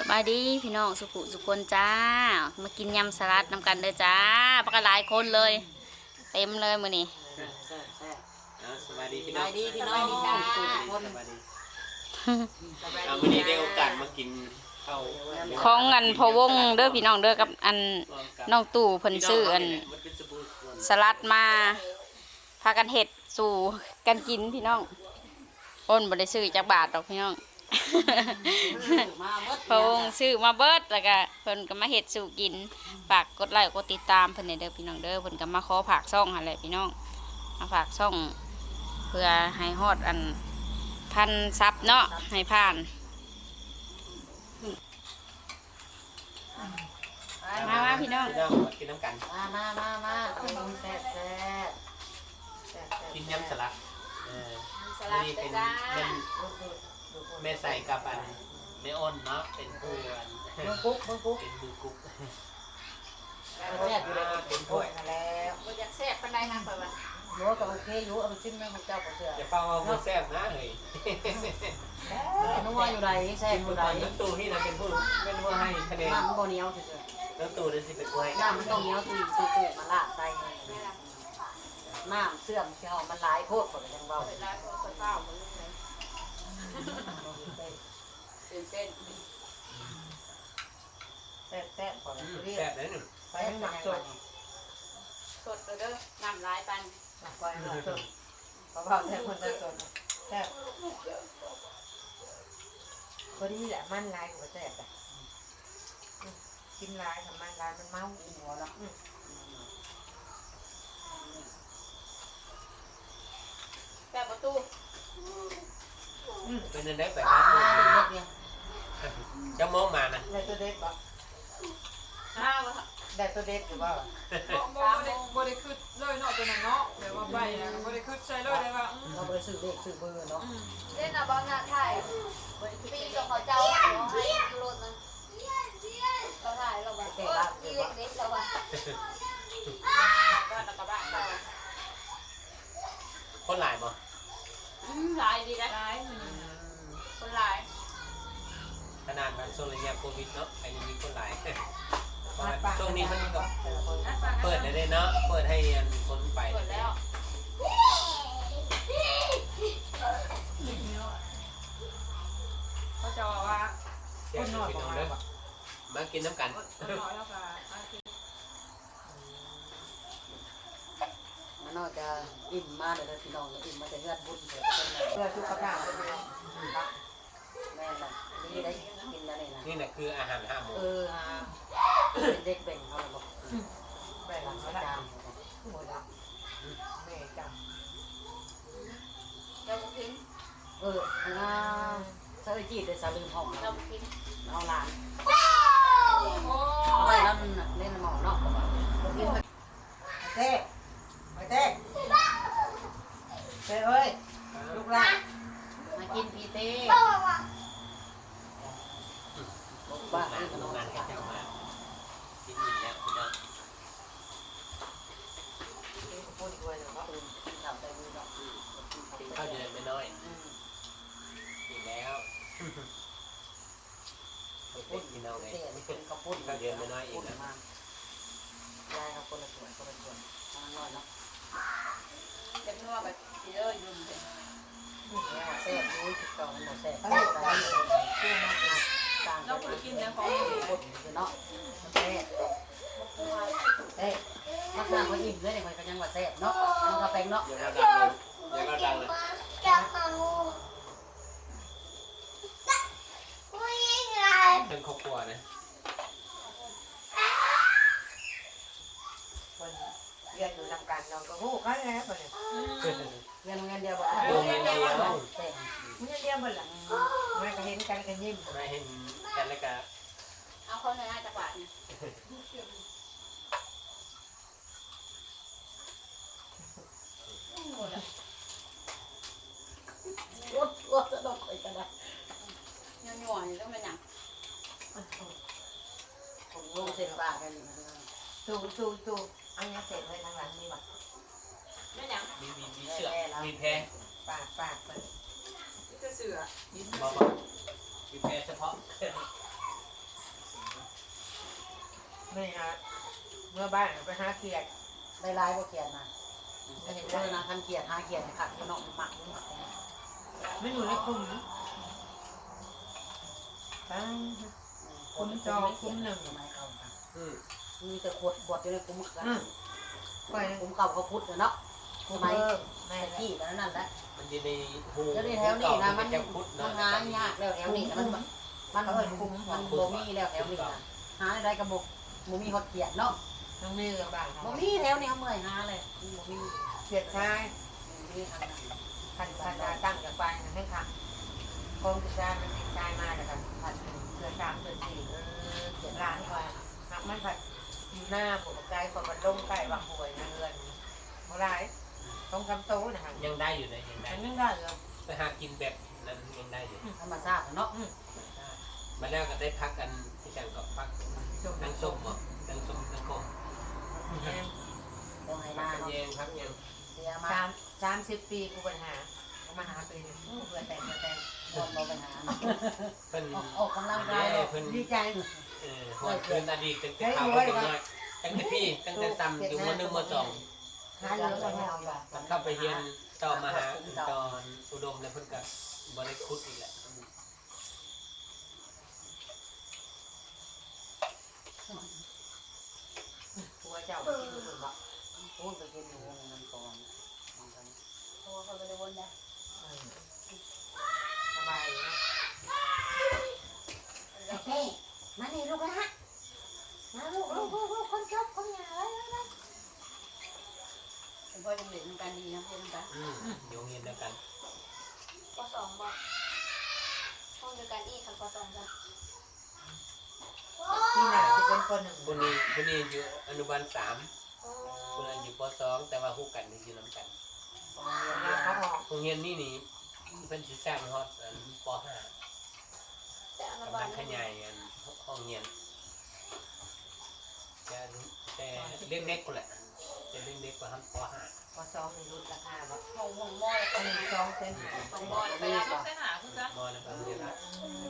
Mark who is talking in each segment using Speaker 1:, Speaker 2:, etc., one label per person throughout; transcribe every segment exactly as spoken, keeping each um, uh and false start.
Speaker 1: บายดีพี่น้องสุขุสุคนจ้ามากินยำสลัดนำกันเลยจ้าปกหลายคนเลยเต็มเลยมื้อนี้
Speaker 2: สบายดีพี่น้อง
Speaker 3: สบายดีพี่น้องทุกคน
Speaker 2: เอาวันนี้ได้โอกาสมากินข้าว
Speaker 1: ของอันพอวงเด้อพี่น้องเด้อกับอันน้องตู่เพิ่นซื้ออันสลัดมาพากันเฮ็ดสู่กันกินพี่น้องอ้นบ่ได้ซื้อจากบาทดอกพี่น้องพอวงซื้อมาเบิดแล้วก็เพิ่นก็มาเฮ็ดสู่กินฝากกดไลค์กดติดตามเพิ่นเด้อพี่น้องเด้อเพิ่นก็มาขอฝากช่องหั่นแหละพี่น้องมาฝากช่องเพื่อให้ฮอดอันพันซับเนาะให้ผ่านมามาพี่น้อง
Speaker 2: พี่น้องมากินน้ำกัน
Speaker 3: มามามามาเอาลงแซ่บแซ่บแซ่บ
Speaker 2: กินยำสลัดเออนี่เป็นเป็นแม่ใส่กับอันแม่อ้นเนาะเป็นผู้อัน
Speaker 3: เบิ้งกุ๊กเบิ้งกุ๊ก
Speaker 2: เป็นมือกุ๊ก
Speaker 3: แซ่บอยู่เลยเป็นถ้วยมาแล้ว
Speaker 1: บ่อยากแซ่บปานใดนะเพิ่นว่า
Speaker 3: โยก็โอเคอยู่เอาไปชิมแม่ของเจ้าก็เสือ
Speaker 2: อย่าเฝ้าเอาหัวแซ่บนะเฮ้ย
Speaker 3: นัวอยู่ไหนแซ่บอยู่ไหน
Speaker 2: น้ำตูนี่นะเป็นผู้เป็นผู้ให้คะแนน
Speaker 3: น้ำมันบ่เหนียวเฉย
Speaker 2: น้ำตูนี่สิเป็นผู้ให้
Speaker 3: ๆน้ำมันต้องเหนียวตุยตุยตุยมาลาดใส่น้ำเสื่อมเชียวมันหลายโคตรหมดเลยยังเบา
Speaker 1: เวลาก็เฝ้ามันเลยตื่นเต้น
Speaker 3: แซ่บแซ่บก่อนเรีย
Speaker 2: แซ่
Speaker 3: ก
Speaker 2: บเลยหนึ่ง
Speaker 3: ไปให้หนักสด
Speaker 1: สดเด้อน้ำลายปัน
Speaker 3: หนักไปหนักสดเพราะว่าแซ่บคนจะสดแซ่บพอดีแหละมันลายหัวแซ่บอ่ะกินลายทำมันลายมันเมาหัวแล้ว
Speaker 1: แซ่บประตู
Speaker 2: เป็นเด็กแบบนั้นจะมองมานะ
Speaker 3: ได้ตัวเด็กบ่
Speaker 1: ข้าว
Speaker 3: ได้ตัวเด็กหรือเปล่า
Speaker 4: บ่บ่ได้บ่ได้คืดเลยเนาะตัวนั้นเนาะเดี๋ยวว่าใบอะบ่ได้คืดใส่เลยเลยว่าอืม
Speaker 3: เราไปซื้อเด็กซื้อเบอร์เนาะ
Speaker 1: เล่นอะบอลงานถ่ายปีกับเขาเจ้าเขาให้รถนะเราถ่ายเราแบบเออปีเล็กๆเราแบบก็ตะกบ้านเรา
Speaker 2: คนหลายบ่
Speaker 1: อืมหลายดีนะ
Speaker 4: ร้ายมัน
Speaker 1: คนหลาย
Speaker 2: ขนาดมันโซลยาโควิดเนาะอันนี้มีคนหลายช่วงนี้มันก็เปิดเลยเนาะเปิดให้คนไป
Speaker 1: หมดแล้ว
Speaker 4: เขาจะว่า
Speaker 2: คนน้อยพี่น้องเด้อมากินน้ำกัน
Speaker 4: คนน้อยแล้วก็อาทิตย์
Speaker 3: มันน่าจะอิ่มมากเลยพี่น้องอิ่มมาแต่เลือดบุญเพื่อสุขภาพแม่น่ะนี่ได้กินแล้วนี่นะ
Speaker 2: นี่แหละคืออาหารห้าหมู่
Speaker 3: เออเป็นเด็กเบ่งเขาเลยบอกแม่หลังจามหัวดำแม่จำ
Speaker 1: เราพิม
Speaker 3: เอออ่าสาวจีดเลยสาวลืมห้อง
Speaker 1: เรา
Speaker 3: เรา
Speaker 1: พิม
Speaker 3: เอาหลาน
Speaker 4: โอ้
Speaker 3: เอาไปแล้วเล่นหมอเนาะเต้ไปเต้เต้เอ้ยลูกหลานมากินพีเต้บ้า
Speaker 2: มา
Speaker 3: นี่
Speaker 2: โร
Speaker 3: น้อง ง
Speaker 2: งานให้เจ้ามากินอิ่มแล้วพี่น้อง
Speaker 3: พูดด้วยเลยว่าอื่นกินข้าวได้มือดอก
Speaker 2: กินข้าวเดือนไม่น้อยกินแล้วพูดพี่น้องไง
Speaker 3: เต้นี่เป็นข้าวปุ้น
Speaker 2: ข้าวเดือนไม่น้อยเองนะ
Speaker 3: ยายครับคนละส่วนคนละส่วนทางน้อยเนาะ
Speaker 1: เด็กนัวแบบเยอะยุ่งเลย
Speaker 3: เนี่ยแซ่บรู้ติดต่อมันหมดแซ่บได้ได้เชื่อมากนะต่าง
Speaker 4: เรา
Speaker 3: กัน
Speaker 4: เคยกินแล้วของ
Speaker 3: คนเนาะแซ่บเอ้ยมักนางเขาอิ่มเลยเนี่ยมันก็ยังว่าแซ่บเนาะมันก็แปลงเนาะ
Speaker 2: เดี๋ยวเราดังเลยเดี๋ยวเราดังเลยเป็นครอบครัวนะ
Speaker 3: คนเรียนอยู่นำกันเราก็ฮู้กันแล้วบ่เนี่ยเรียนโรงเรียนเดียวบ่
Speaker 2: โรงเรียนเดียว
Speaker 3: แซ่บโรงเรียนเดียวบ่ล่ะมันก็เห็นกันกันยิ้ม
Speaker 2: มาเห็นกันแล้วก็
Speaker 1: เอาเขาในหน้าจักรวาลเนี่ย
Speaker 3: รถรถจะดอกไปกันได้
Speaker 1: ยังหน่วยต้องเป็นอย่าง
Speaker 3: ผมลงเส้นปากกันตูตูตูอันนี้เสร็จเลยทางหลังนี่ว่ะ
Speaker 1: เป็นอย่าง
Speaker 2: มีมีมีเชือกมีแพร
Speaker 3: ปากปากเปิด
Speaker 4: จะเสือ
Speaker 2: บอกบอกมีแพรเฉพาะ
Speaker 3: ไม่นะเมื่อบ้านไปหาเขียดได้ลายบ่เขียดนะจะเห็นเลยนะคันเขียดหาเขียดขัดอยู่นอกหมักไม่อยู่ในคุ้มคุ้มจอคุ้มหนึ่ง
Speaker 2: อืม
Speaker 3: มีแต่ขวดขวดอยู่ในคุ้มกันคุ้มเก่าเขาพุทธเนาะสมัยแม่ที่แล้วนั่นแหละ
Speaker 2: มันอยู่ในหู
Speaker 3: แล้วในแถวนี้นะมัน
Speaker 2: จะพุทธ
Speaker 3: มั
Speaker 2: เนาะ
Speaker 3: นหายากแล้วแถวนี้มันมันเอิ้นคุ้มมันบ่มีแล้วแถวนี้นะหาได้กระบอกบ่มีฮอดเขียดเนาะ
Speaker 5: น้องนี่กับบ้าน
Speaker 3: บ่มีแถวนี้เมื่อยหาเลยบ่มี
Speaker 5: เขียดชาย
Speaker 3: มีทางนั้น
Speaker 5: พันพันดาตั้งกับไปนะให้ค่ะกองกระจายมันติดชายมาแล้วกันพันเสือสามเสือสี่เออเขียดร้านก่อนหักมันผัดอยู่หน้าผมใจพอมันลงใกล้บางหวยนะเงินเท่าไรต้องคำโตนะฮะ
Speaker 2: ยังได้อยู่นะยังได้
Speaker 5: มันยังได้เหรอ
Speaker 2: ไปหากินแบบนั้นยังได้อยู่
Speaker 3: ธรรมชาติเนาะ
Speaker 2: มาแล้วก็ได้พักกันที่จังกับพัก
Speaker 5: จบ
Speaker 2: นั่งส้มบ่นั่งส้มนั่งโค
Speaker 3: ต้องให้
Speaker 2: พั
Speaker 3: มาก
Speaker 2: กัน
Speaker 3: เนาะ
Speaker 2: แยงพักแยง
Speaker 3: เสียมา
Speaker 5: สามสามสิบปีกูปัญหาเขามาหาปีนึงเพื่อแต่งเพื่อแต่ง
Speaker 3: บ่บ่ไปหา
Speaker 2: เพิ่น
Speaker 3: ออกกำลังกาย
Speaker 2: เด้เพิ่น
Speaker 5: ดีใจ
Speaker 2: เออหวนคืนอดีตตั้งแต่ข้าวก็เป็นน้อยตั้งแต่พี่ตั้งแต่ต่ำอยู่มหนึ่งมสอง
Speaker 5: หาเยอะเลยเอาแบบ
Speaker 2: มันเข้าไปเรียนต่อมาหาตอนอุดมแล้วเพิ่นก็บ่ได้คุดอีกแหละ
Speaker 5: หัวเจ้าที่ดูสุดละ
Speaker 3: พูดไปกินอยู่วงนั้นก่อน
Speaker 1: โอ้เขาไปเลยวนได้
Speaker 5: สบายนะ
Speaker 3: เฮ้ยมานี่ลูกนะมาลูกลูกลูกลูกคนจบคนหยาเลยเลย
Speaker 1: เป็นพ่อจังเด็กกันดีนะเพื่อนกัน
Speaker 2: อืมอยู่โรงเรียนเดียวกัน
Speaker 1: ปสองบ่ห้องเดียวกันอีกค่ะปสองจ้ะ
Speaker 5: ที่หนาจะเป็นคนหนึ่ง
Speaker 2: คนนี้คนนี้อยู่อนุบาลสามคนนั้นอยู่ปสองแต่ว่าฮู้กันนี่อยู่นํกัน
Speaker 5: แล้วเขาออก
Speaker 2: โรงเรียนนี่นี่เพิ่นสิสร้างฮอดอันปห้า
Speaker 1: แต่อนุ
Speaker 2: กำ
Speaker 1: บา
Speaker 2: ลั
Speaker 1: ล
Speaker 2: งขยายอันห้องเรียนแต่แต่เล็กๆพุ่นแหละจะเล็กๆกว่าฮันปห้า
Speaker 5: พอซ้อมในรุ่นราคาแบบ
Speaker 1: ห้องห้องมอ
Speaker 5: หนึ่งสองเซน
Speaker 1: ห้องมอไปแล้วก็เส้นหาคือกัน
Speaker 2: มอแล้วก็เรียนละ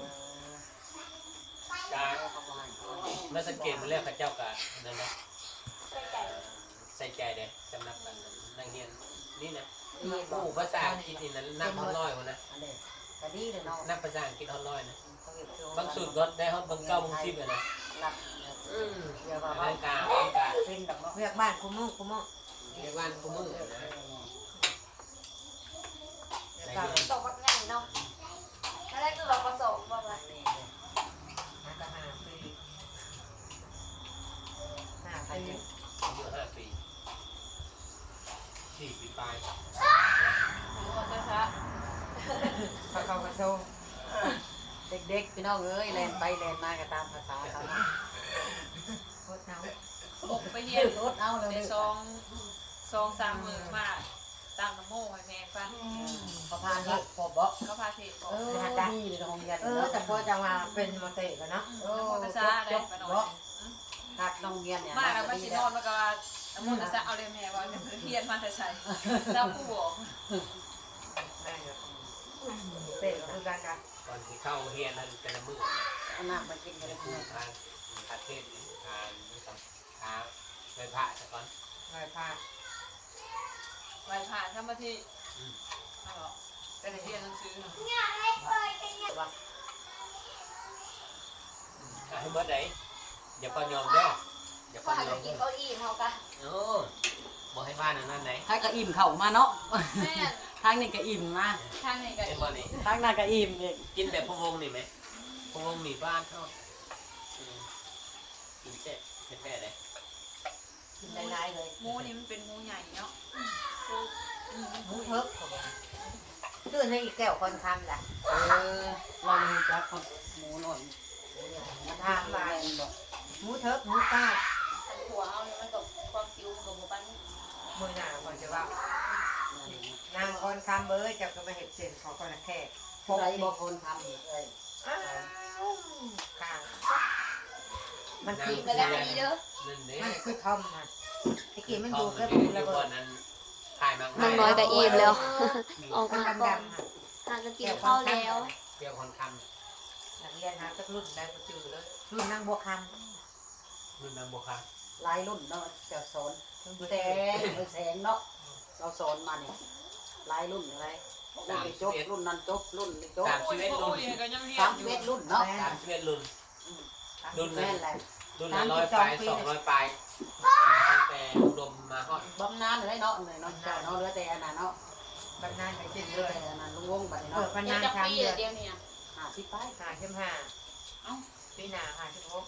Speaker 2: กาเมื่อสังเกตมาแล้วเขาเจ้าก็นั่นนะ
Speaker 1: ใส่ใจ
Speaker 2: ใส่ใจเด้สำหรับกันนักเรียนนี่นะ
Speaker 3: ดีบ่
Speaker 2: ผู้ภาษาอังกฤษนี่นะนับฮอดร้อยพุ่นนะ
Speaker 3: อันนี้ก็ดีเลยเนาะ
Speaker 2: นับภาษาอังกฤษฮอดร้อยนะ
Speaker 3: เขาเก็บตัว
Speaker 2: บางสูตรก็ได้ฮอดเบิ่งเก้าเบิ่งสิบอะนะ
Speaker 3: หลับ
Speaker 2: อืม
Speaker 3: เดี๋ยวว่า
Speaker 2: ร่างกายร่างกาย
Speaker 3: เป็นดอกเนาะ
Speaker 5: เรียกบ้านคุมุ่งคุมุ่ง
Speaker 2: ในบ้านกูมือนะ
Speaker 5: เรียกบ้าน
Speaker 1: สองก็ง่ายเนาะแล้วแรกก็เราก็สองบ่ว่า
Speaker 5: นักหาปีหา
Speaker 2: อา
Speaker 5: ปี
Speaker 2: ยุอายุห้าปีสี่ปีปลาย
Speaker 1: ก็ช้า
Speaker 5: เขาเขากระโชง
Speaker 3: เด็กๆพี่น้องเอ้ยแลนไปแลนมาก็ตามภาษาเขา
Speaker 5: โคตรเนา
Speaker 4: ๆผมไปเรียน
Speaker 3: รถเอาเลย
Speaker 4: ในซองซองสามมือมาตั้งน้ำโม่ให้แม่ฟัง
Speaker 3: เขาพาเฮ็ดพอบ่
Speaker 4: เขาพาเทศบอก
Speaker 3: เออดีเลยโรงเรียน
Speaker 5: เออแต่พอจะมาเป็นมอเตะกันเนาะ
Speaker 3: เอ
Speaker 4: น้ำ
Speaker 3: อ
Speaker 4: โมตัสสะได้ไปหน่อย
Speaker 3: ขาดโรงเรียนเนี่ย
Speaker 4: มาแล้วมาสินอนแล้วก็น้ำโมตัสสะเอาเลยแม่ว่าเรียนมาแต่ใส่เจ้าผู้บอก
Speaker 5: ได้เนาะเตะคือการกัน
Speaker 2: ก่อนที่เข้าเรียนนั้นแต่ละมื้อ
Speaker 3: เอาน้ำมากินกัน
Speaker 2: จะ
Speaker 3: เลย
Speaker 2: พูดทางประเทศทางกับทางไปพระซะก่อน
Speaker 5: ลอยพา
Speaker 4: ไหวผ่านทำมาที่เอาเหรอแต่เรียนหนังสือ
Speaker 3: ว่า
Speaker 2: อ่ะให้เบิดได้อย่าปยอมเด้ออย่าป
Speaker 1: ก็หาย
Speaker 2: อม
Speaker 1: กินเขาอิ่มเขากัน
Speaker 2: โอ้บ่ให้บ้านอันนั้นไหน
Speaker 3: ถ้าก็อิ่มเข่ามาเนาะ
Speaker 1: แม่
Speaker 3: ทางนี้ก็อิ่มมา
Speaker 1: ทางไหนกัน
Speaker 2: เป็นบ่นี่
Speaker 3: ทางนั้นก็อิ่มอีก
Speaker 2: กินแบบพะวงนี่ไหมพะวงนี่บ้านเท่าอืมกินแซ่บแท้ๆเลย
Speaker 3: กินหลายๆเลย
Speaker 4: หมูนี่มันเป็นหมูใหญ่เนาะ
Speaker 5: หมูเพิบชื่อให้อีกแก้วคนทำล่ะ
Speaker 3: เออเรามีจักคนหมูหน่อยมาทางลายบอก
Speaker 5: หมูเทิบหมูก้า
Speaker 1: หัวเอาเนี่ยมันกับความคิ้วมันกับหมูปั้น
Speaker 5: มือหนาก่อนจะว่านางคนคำเบอร์จะก็มาเห็ดเส้นของคนละแค่พ
Speaker 3: ผู้
Speaker 5: ก
Speaker 3: ใด
Speaker 5: นี่
Speaker 3: บอกคนทำเลย
Speaker 5: อ้าวข้างมัน
Speaker 2: นั่
Speaker 5: คื
Speaker 2: ง
Speaker 5: อ
Speaker 1: ก็ได้ดีเด้อ
Speaker 2: นั่นเด้
Speaker 5: มันคือทอมค่ะตะกี้มัน
Speaker 2: ท
Speaker 5: อ
Speaker 2: อยู่ ม
Speaker 5: แค่
Speaker 2: มัน
Speaker 5: ปู
Speaker 2: อยู่
Speaker 5: ระ
Speaker 2: ก่
Speaker 5: เบิ
Speaker 2: อ
Speaker 5: ด
Speaker 2: นนั้นถ่ายมัง
Speaker 6: น้องน้อยก็อิ่มแล้ว ออก
Speaker 5: มัน
Speaker 6: มาก่อน
Speaker 5: ดำๆค่ะ
Speaker 6: หาจะกินข้าวแล้ว
Speaker 2: เปรี้ยวคนค
Speaker 5: นักเรียนหาสักรุ่นได้ก็จือเลยรุ่นนางบัวคำ
Speaker 2: รุ่นนั้นบ่ค่ะ
Speaker 3: หลายรุ่นเนาะจะสอนแสงเออแสงเนาะเราสอนมาเนี่ยหลายรุ่นอะไรรุ่นนี้จบรุ่นนั้นจบรุ่นนี้จบ
Speaker 2: สามสิบเอ็ดรุ่น
Speaker 4: ก็ยังเฮีย
Speaker 3: สาม
Speaker 4: นอ
Speaker 3: สิ
Speaker 4: ยู่
Speaker 3: บเอ็ดรุ่นเนาะ
Speaker 2: สามสิบเอ็ดรุ่น รุ่น
Speaker 3: แม่นแหละ
Speaker 2: รุ่นละร้อยปลายสองร้อยปลายตั้งแต่อุดมมาฮอด
Speaker 3: บำนาญเลยเนาะเลยเนาะเจ้าเนาะเหลือแต่อันนั้นเนาะ
Speaker 5: บรรณาไป
Speaker 3: เห
Speaker 5: กิน
Speaker 3: ลื
Speaker 5: เล
Speaker 3: อย แต่อันนั้นลุงวงบัดนี้
Speaker 5: เปิ
Speaker 3: เนาะ
Speaker 5: ดบรร
Speaker 1: เดี๋ย
Speaker 5: ณาว
Speaker 1: จะ
Speaker 5: สาม
Speaker 1: ปี
Speaker 5: เดือน
Speaker 1: เดียวเนี่ย
Speaker 3: ห้าสิบไป
Speaker 5: หาเข้มห้าปีหน้าหาสิบหก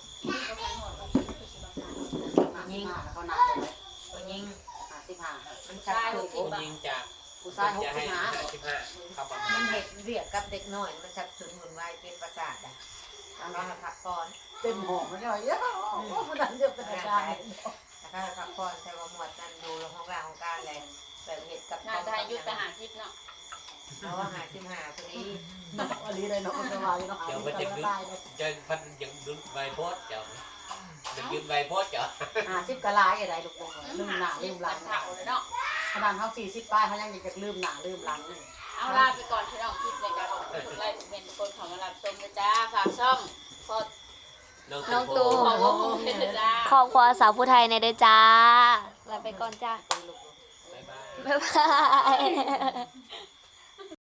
Speaker 3: ยิงเขาหนักเลย
Speaker 5: ตัวยิง
Speaker 3: ห้าสิบห้า
Speaker 5: มันชักถึง
Speaker 2: ผู้หญิงจะ
Speaker 3: ผู้ชายหก
Speaker 2: จะ
Speaker 3: สิ
Speaker 2: ให้
Speaker 3: บห้า
Speaker 2: ห้าสิบห้าเข้าประมา
Speaker 5: มั
Speaker 2: ณ
Speaker 5: นเห็ดเรียกกับเด็กน้อยมันชักถึงหุ่นวายเป็นประสาทอ่ะเราพักผ่อน
Speaker 3: เต็มห้องมันเลยเยอะมันดันเยอะเป็นอาจารย์
Speaker 5: ถ้าพักผ่อนแต่ว่าหมวดนั้นดูห้องร่างของการอะไรแบบเห็ดกับ
Speaker 1: น่าจะยุดไปหาทิพย์เนาะ
Speaker 5: เอาว่าหาสิบห้าพอดี
Speaker 3: เนาะอันนี้เลยเนาะมันจะมาเนาะ
Speaker 2: เดี๋ยวมันจะดึงจะพันยังดึงใบโพสเดี๋ยวจะยืนใบโพสเดี๋ยว
Speaker 3: ห้าสิบกะลายอะไรลูกบอลลืมหน้าลืมหลัง
Speaker 1: เท่าเลยเนาะ
Speaker 3: ขนาดเขาสี่สิบป้ายเขายังจะลืมหน้าลืมหลังเลย
Speaker 1: เอาลาไปก่อนพี่น้องคลิปในการบอกทุกไลฟ์ทุกเมนทุกคนของมารับชมนะจ้าฝากช่องพอ
Speaker 6: น้องตู
Speaker 1: ของวงเป็นนะจ้า
Speaker 6: ครอบครัวสาวผู้ไทยในเด้อจ้าลาไปก่อนจ้า
Speaker 2: บ๊ายบาย
Speaker 6: บ๊ายบาย